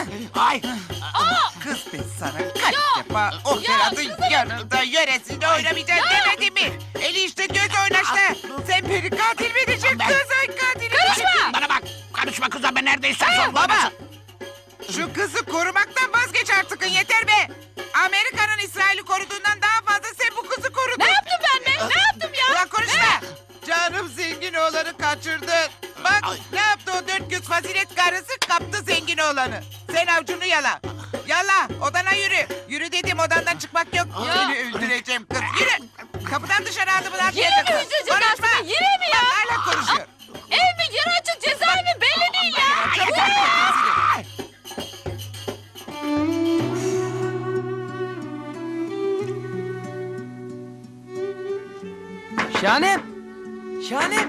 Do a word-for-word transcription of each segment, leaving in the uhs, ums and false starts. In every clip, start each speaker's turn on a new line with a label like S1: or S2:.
S1: Ay.
S2: Kız ben sana kaç defa o Ferhat'ın yanında yöresinde oynamayacağım demedim mi? Eli işte göz oynaştı. Sen beni katil mi edeceksin kız ay katili?
S1: Karışma. Bana bak. Karışma kızım ben neredeysen
S2: Hey,
S1: son
S2: baba. Şu kızı korumaktan vazgeç artık yeter be. Amerika'nın İsrail'i koruduğundan daha fazla sen bu kızı korudun.
S3: Ne yaptım ben be? Ne yaptım ya?
S2: Ulan konuşma. Canım zengin oğlanı kaçırdın. Bak ne yaptı o dört göz fazilet karısı kaptı zengin oğlanı. Sen avcunu yala. Yala odana yürü. Yürü dedim odandan çıkmak yok.
S3: Ya.
S2: Seni öldüreceğim kız yürü. Kapıdan dışarı adımını
S3: Yine
S2: atmayacaksın.
S3: mi üzecek
S2: Konuşma.
S3: aslında? Yine mi ya?
S2: Bak hala konuşuyor.
S3: Ev mi? Yer açık cezaevi belli değil ya.
S2: Çabuk artık kızını.
S4: Şahanem! Şahanem!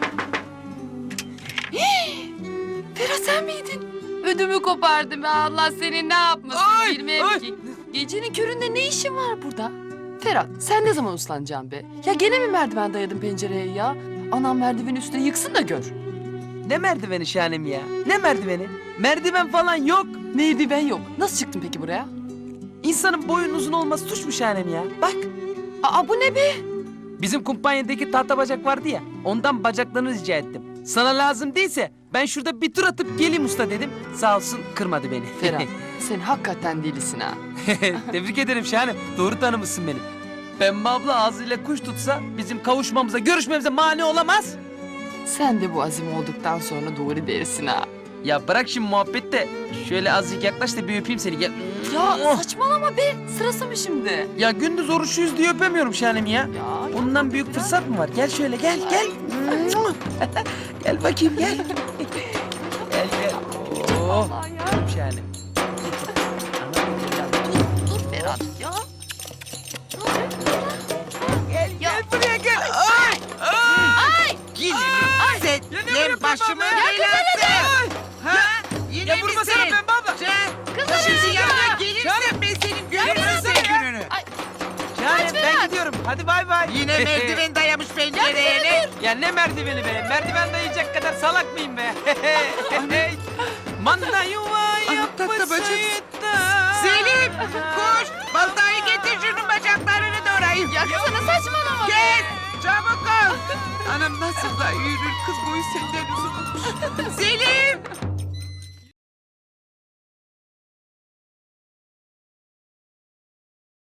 S3: Ferhat sen miydin? Ödümü kopardım ya. Allah seni ne yapmasın
S4: Ay,
S3: bilmem
S4: ay.
S3: ki. Gecenin köründe ne işin var burada? Ferhat sen ne zaman uslanacaksın be? Ya gene mi merdiven dayadın pencereye ya? Anam merdivenin üstüne yıksın da gör.
S4: Ne merdiveni Şahanem ya? Ne merdiveni? Merdiven falan yok.
S3: Merdiven yok. Nasıl çıktın peki buraya?
S4: İnsanın boyun uzun olması suç mu Şahanem ya? Bak
S3: Aa bu ne be?
S4: bizim kumpanyadaki tahta bacak vardı ya. Ondan bacaklarını rica ettim. Sana lazım değilse ben şurada bir tur atıp geleyim usta dedim. Sağ olsun kırmadı beni.
S3: Ferhat sen hakikaten delisin ha.
S4: Tebrik ederim Şahanem. Doğru tanımışsın beni. Pembe abla ağzıyla kuş tutsa bizim kavuşmamıza, görüşmemize mani olamaz.
S3: Sen de bu azim olduktan sonra doğru dersin ha.
S4: Ya bırak şimdi muhabbet de şöyle azıcık yaklaş da bir öpeyim seni gel.
S3: Ya saçmalama be. Sırası mı şimdi?
S4: Ya gündüz oruçluyuz diye öpemiyorum Şahanem ya.
S3: Ya
S4: Ondan büyük fırsat mı var? Gel şöyle gel gel. Gel bakayım gel. Gel gel. Oh.
S3: Allah ya.
S4: Öp Şahanem.
S3: Dur Ferhat ya.
S2: Gel gel buraya gel. Ay. Ay. Yine mi? Sen ne başımın belası? Ha? Yine
S4: Ya
S2: mi
S4: vurma
S2: sen?
S4: sana Pembe abla.
S2: Sen şimdi yanına gelirsen ben senin görürüm sen gününü.
S4: Şahanem ben gidiyorum. Hadi bay bay.
S2: Yine merdiven dayamış pencereye ne?
S4: Ya ne merdiveni be? Merdiven dayayacak kadar salak mıyım be? Manda yuva
S2: tahta bacak.
S4: yapısı da.
S2: Selim koş baltayı getir şunun bacaklarını doğrayayım.
S3: Ya kızana saçmalama.
S2: Gel çabuk ol. Anam nasıl da yürür kız boyu senden uzun. Selim